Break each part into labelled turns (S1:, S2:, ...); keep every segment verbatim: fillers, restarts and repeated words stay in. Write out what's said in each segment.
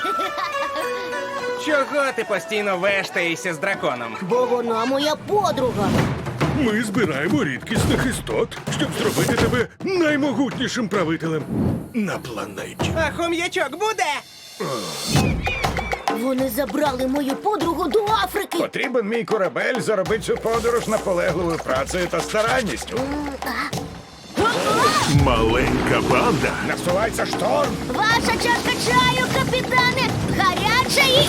S1: Чого ти постійно вештаєшся з драконом?
S2: Бо вона моя подруга.
S3: Ми збираємо рідкісних істот, щоб зробити тебе наймогутнішим правителем на планеті.
S1: А хом'ячок буде?
S2: Вони забрали мою подругу до Африки.
S4: Потрібен мій корабель заробити цю подорож наполегливою працею та старанністю.
S3: Маленька банда
S4: Насувається шторм.
S2: Ваша чашка чаю, капітане, гаряча і...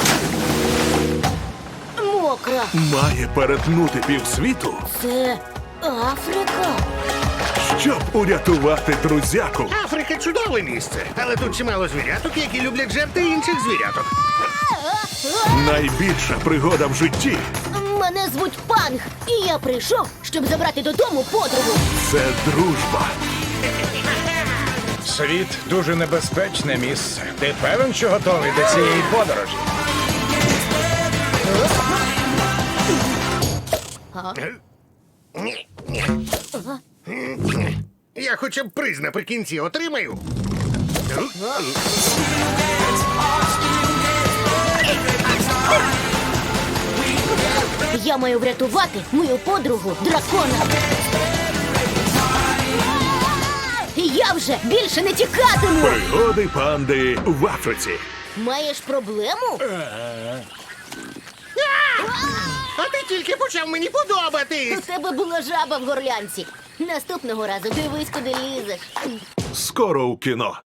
S2: мокра.
S3: має перетнути півсвіту,
S2: Це Африка.
S3: щоб урятувати друзяку.
S5: Африка чудове місце, але тут чимало звіряток, які люблять жерти інших звіряток.
S3: Найбільша пригода в житті
S2: Мене звуть Панг, і я прийшов, щоб забрати додому подругу.
S3: – це дружба.
S4: Світ дуже небезпечне місце. Ти певен, що готовий до цієї подорожі?
S5: Ні, ні. Я хоча б приз наприкінці отримаю.
S2: Я маю врятувати мою подругу дракона. І я вже більше не тікатиму.
S3: Пригоди панди в Африці.
S2: Маєш проблему?
S5: А ти тільки почав мені подобатись.
S2: У тебе була жаба в горлянці. Наступного разу дивись, куди лізеш.
S3: Скоро у кіно.